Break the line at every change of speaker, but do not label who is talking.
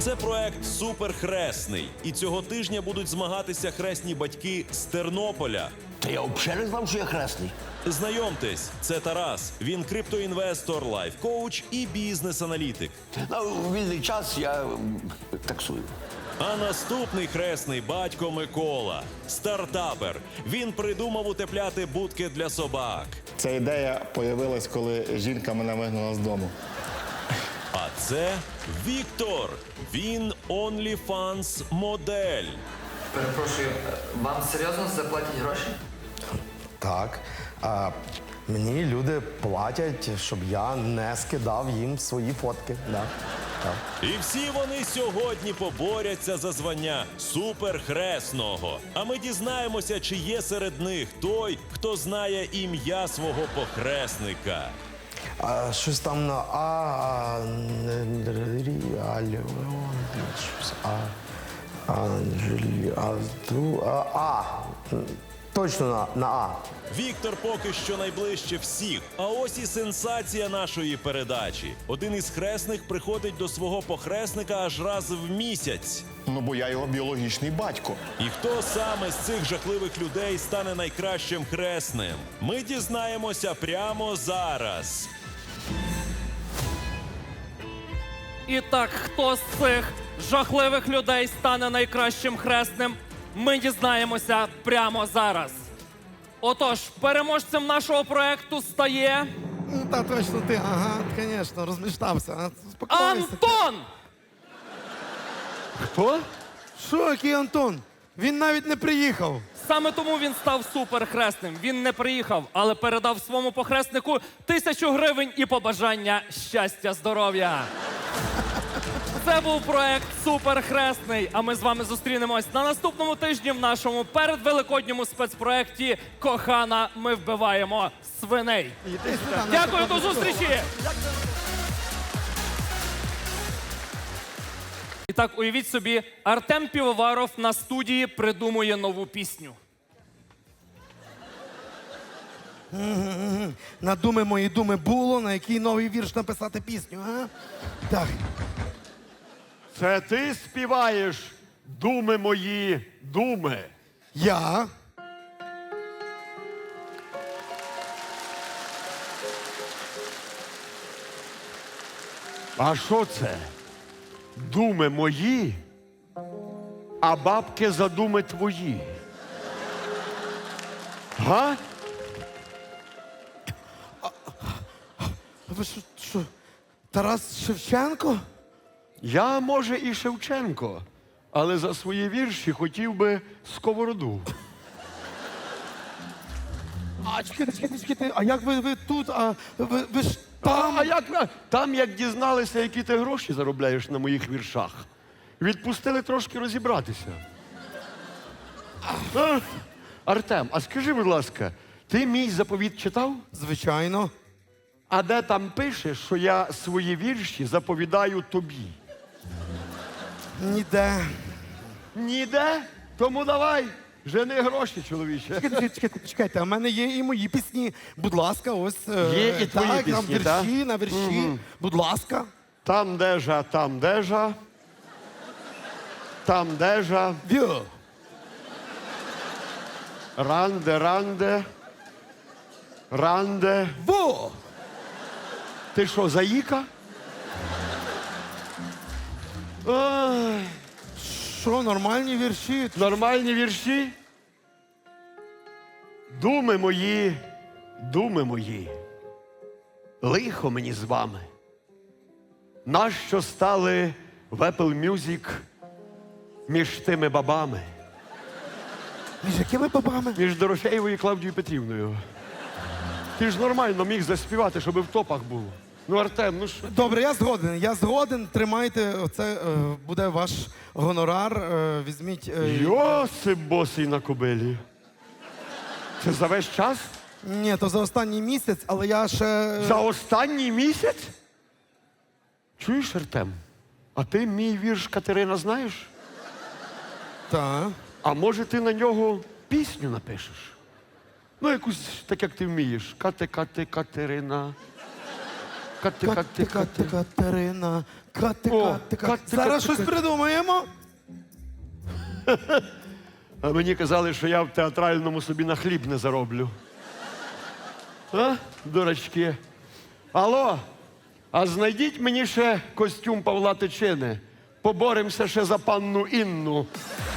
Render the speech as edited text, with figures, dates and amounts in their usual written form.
Це проект «Суперхресний». І цього тижня будуть змагатися хресні батьки з Тернополя.
Та я взагалі не знав, що я хресний.
Знайомтесь, це Тарас. Він криптоінвестор, лайф-коуч і бізнес-аналітик.
У вільний час я таксую.
А наступний хресний батько Микола. Стартапер. Він придумав утепляти будки для собак.
Ця ідея появилась, коли жінка мене вигнала з дому.
А це Віктор. Він OnlyFans модель.
Перепрошую, вам серйозно заплатять гроші?
Так. Мені люди платять, щоб я не скидав їм свої фотки. Да. Так.
І всі вони сьогодні поборяться за звання суперхресного. А ми дізнаємося, чи є серед них той, хто знає ім'я свого похресника.
Щось там на точно на А.
Віктор поки що найближче всіх. А ось і сенсація нашої передачі. Один із хресних приходить до свого похресника аж раз в місяць.
Ну, бо я його біологічний батько.
І хто саме з цих жахливих людей стане найкращим хресним? Ми дізнаємося прямо зараз.
І так, хто з цих жахливих людей стане найкращим хресним, ми дізнаємося прямо зараз. Отож, переможцем нашого проекту стає
Ну, та точно ти, ага, звісно, розміштався. Спокойся.
Антон!
Хто? Що, який Антон? Він навіть не приїхав.
Саме тому він став суперхресним. Він не приїхав, але передав своєму похреснику 1000 гривень і побажання щастя, здоров'я. Це був проект «Суперхресний», а ми з вами зустрінемось на наступному тижні в нашому передвеликодньому спецпроекті «Кохана, ми вбиваємо свиней».
Іди сюди, на
Дякую, до
секунду.
зустрічі! І так, уявіть собі, Артем Півоваров на студії придумує нову пісню.
На думи мої думи було, на який новий вірш написати пісню, а? Так.
Це ти співаєш думи мої, думи.
Я.
А що це? Думи мої, а бабки за думи твої. Га?
Ви що, Тарас Шевченко?
Я, може, і Шевченко, але за свої вірші хотів би сковороду.
А, чекайте, а як ви тут, а ви ж там?
А як там, як дізналися, які ти гроші заробляєш на моїх віршах, відпустили трошки розібратися. Артем, а скажи, будь ласка, ти мій заповіт читав?
Звичайно.
А де там пише, що я свої вірші заповідаю тобі?
Ніде.
Ніде? Тому давай, жени гроші, чоловіче.
Чекайте, а в мене є і мої пісні. Будь ласка, ось.
Є і твої
так,
пісні,
на вірші. Будь ласка.
Там дежа, там дежа. Там дежа.
Вю.
Ранде, ранде. Ранде.
Во!
Ти що, заїка? Ой,
Що, нормальні вірші?
нормальні вірші? Думи мої, думи мої. Лихо мені з вами. Нащо стали в Apple Music між тими бабами?
Між якими бабами?
Між Дорофеєвою і Клавдією Петрівною. Ти ж нормально міг заспівати, щоб в топах було. Ну, Артем, ну що?
Добре, я згоден. Тримайте, це буде ваш гонорар. Візьміть.
Йосип босий на кобилі. Це за весь час?
Ні, то за останній місяць, але я ще.
За останній місяць? Чуєш, Артем? А ти мій вірш Катерина знаєш?
Так.
А може ти на нього пісню напишеш? Ну, якусь так, як ти вмієш. Кате, Катерина.
Кати, Катерина, Кати.
Кати.
Зараз щось придумаємо.
А мені казали, що я в театральному собі на хліб не зароблю. А, дурачки? Алло, а знайдіть мені ще костюм Павла Тичини. Поборемося ще за панну Інну.